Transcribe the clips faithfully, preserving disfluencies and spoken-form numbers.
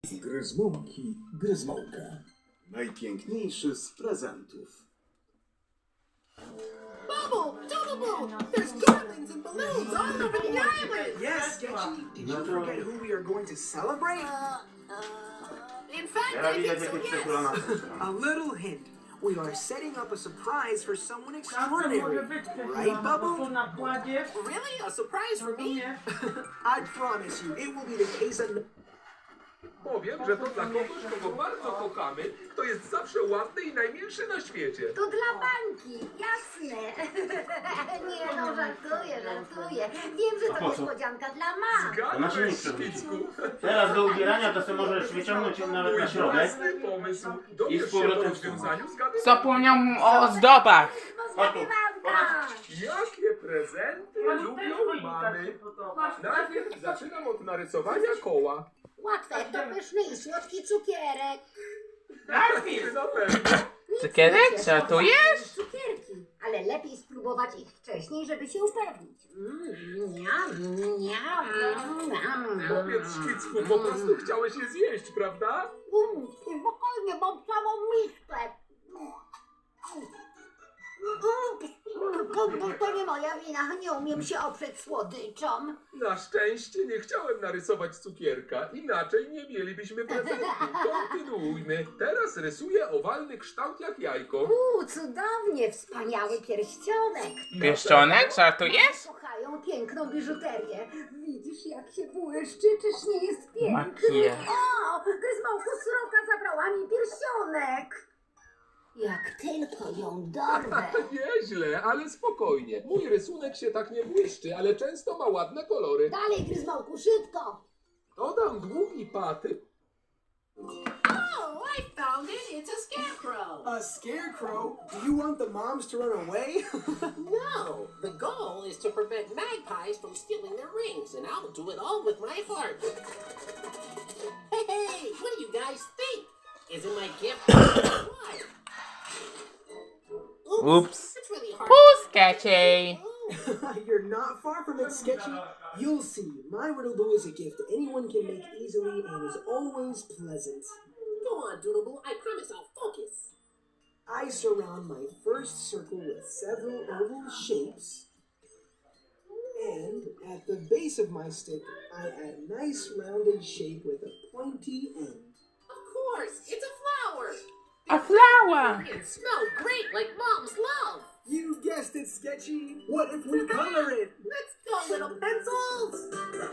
Z gryzmołki gryzmołka. Najpiękniejszy z prezentów. Bubble! Doodle-boo! There's garlands and balloons all over the island! Yes, Sketchy, did you forget who we are going to celebrate? Uh, uh, in fact, Teraz I think widać so, jakieś yes. przekulone. A little hint. We are setting up a surprise for someone Czasem może extraordinary. być Right, przekulona, bo Bubble? tu nakładziesz, Really? A surprise for me? rozumiesz? I promise you, it will be the case of... Powiem, że to dla kogoś, kogo bardzo kochamy, kto jest zawsze ładny i najmilszy na świecie. To dla bańki, jasne. Nie no, żartuję, żartuję. Wiem, że A to po co? niespodzianka dla mam. To na silnik Zgadłeś, przewrócił. Szpicku. Teraz do ubierania to sobie możesz wyciągnąć ją nawet Mój na środek. własny pomysł. I z Dowiesz się powrotem po rozwiązaniu zgadywania. Zapomniał o ozdobach. Zgadywanka! Jakie prezenty Pani też lubią choinka się mamy? podoba. Najpierw zaczynam od narysowania koła. Łatwe, to pyszny i słodki cukierek. Najpierw! Na pewno. Cukierek? Żartujesz? Cukierki, ale lepiej spróbować ich wcześniej, żeby się upewnić. Mm, niam, niam, niam. Powiedz, Szpicku, po prostu chciałeś je zjeść, prawda? Mm, spokojnie, mam całą miskę. Mm, To nie moja wina, nie umiem się oprzeć słodyczom. Na szczęście nie chciałem narysować cukierka, inaczej nie mielibyśmy prezentu. Kontynuujmy. Teraz rysuję owalny kształt jak jajko. Uuu, cudownie, wspaniały pierścionek. Pierścionek? Żartujesz? Kochają piękną biżuterię. Widzisz, jak się błyszczy, czyż nie jest piękny? Makijaż. O, Gryzmołku, sroka zabrała mi pierścionek. Jak tylko ją dorwę. Nieźle, ale spokojnie. Mój rysunek się tak nie błyszczy, ale często ma ładne kolory. Dalej, Gryzmołku, szybko. Dodam długi paty. Oh, I found it! It's a scarecrow! A scarecrow? Do you want the moms to run away? No! The goal is to prevent magpies from stealing their rings, and I'll do it all with my heart. Hey, hey! What do you guys think? Isn't my gift what? Oops. It's really hard. Who's sketchy? Oh. You're not far from it, Sketchy. You'll see. My Riddle-Boo is a gift anyone can make easily and is always pleasant. Go on, Doodle-Boo. I promise I'll focus. I surround my first circle with several oval shapes. And at the base of my stick, I add a nice rounded shape with a pointy end. Of course, it's a flower. A flower. It smells great like Mom's love. You guessed it, Sketchy. What if we color it? Let's go, little pencils.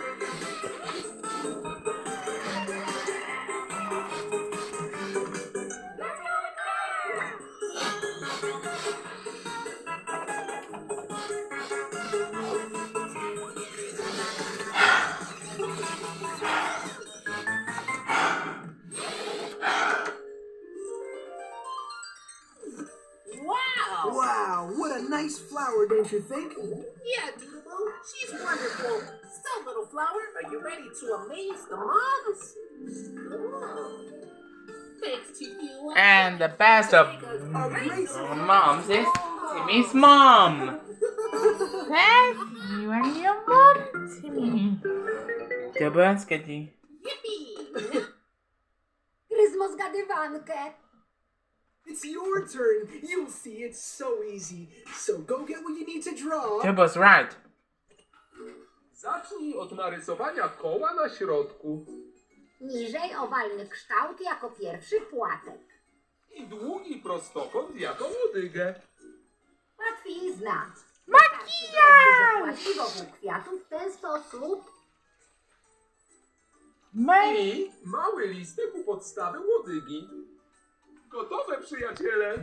Wow! Wow, what a nice flower, don't you think? Yeah, Doodle-Boo, she's wonderful. So, little flower, are you ready to amaze the moms? Oh. Thanks to you. I And the best of A great moms is Timmy's mom. Yes, you and your mom, Timmy. Dobra, sketchy. Yippee! Gryzmo zgadywankę. It's your turn. You'll see, it's so easy. So go get what you need to draw. Turbo's right. Zacznij od narysowania koła na środku. Niżej owalny kształt jako pierwszy płatek. I długi prostokąt jako łodygę. Łatwizna. Makijaż! Wystarczy dodać wokół kwiatów w ten sposób. My I mały listek u podstawy łodygi. Gotowe, przyjaciele!